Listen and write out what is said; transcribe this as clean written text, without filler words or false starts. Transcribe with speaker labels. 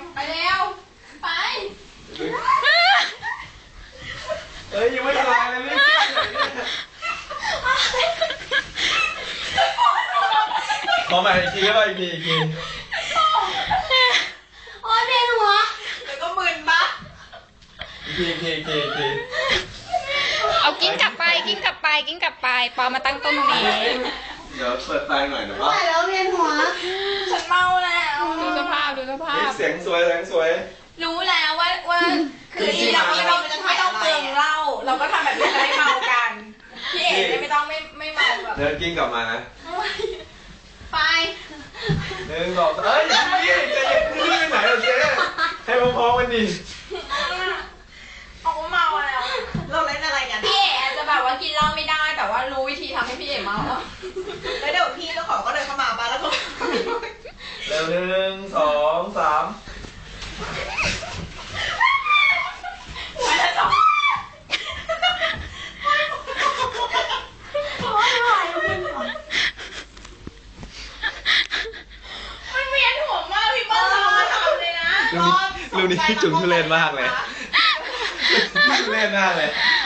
Speaker 1: ไปเร็วไป
Speaker 2: เอ้ยยังไม่ละลายเลยนี่ขอใหม่อีกทีก็ได้อีกที
Speaker 1: โอ้ยเวียนหัวแล้วก็มึนปะ
Speaker 2: อีกที
Speaker 3: เอากิ้งกลับไปปอมาตั้งต้นตรงนี้
Speaker 2: เดี๋ยวเปิดไฟหน่อยนะ
Speaker 1: ไม่
Speaker 2: ป่ะ
Speaker 1: ไหวแล้วเวียนหัวฉันเมาแล้ว
Speaker 3: ดูสภาพ
Speaker 2: เสียงสวย
Speaker 1: รู้แล้วว่าคือที่เราไม่ต้องเปลืองเหล้าเราก็ทำแบบนี้จะได้เมากันพี่เอ๋ไม่ต้องไม่เมาแบบ
Speaker 2: เดินกิ้งกลับมานะ
Speaker 1: ไป
Speaker 2: 1 2 เอ้ยอย่าเพิ่งใจเย็นนี่ไปไหนล่ะเจ๊ให้พร้อมๆกันดิ
Speaker 1: เอาเมาแล้วเราเล่นอะไรกันพี่เอ๋จะแบบว่ากินเหล้าไม่ได้แต่ว่ารู้วิธีทำให้พี่เอ๋เมาแล้วเดี๋ยวพี่เจ้าของก็เดินเข้ามาบ้านแล้วก็
Speaker 2: เร็ว1 2 3
Speaker 1: ไม่ได้สองมันเวียนหัวมากพี่ป้าทำเลยนะ
Speaker 2: รูนี้จุ๋มทุเรศมากเลยทุเรศมากเลย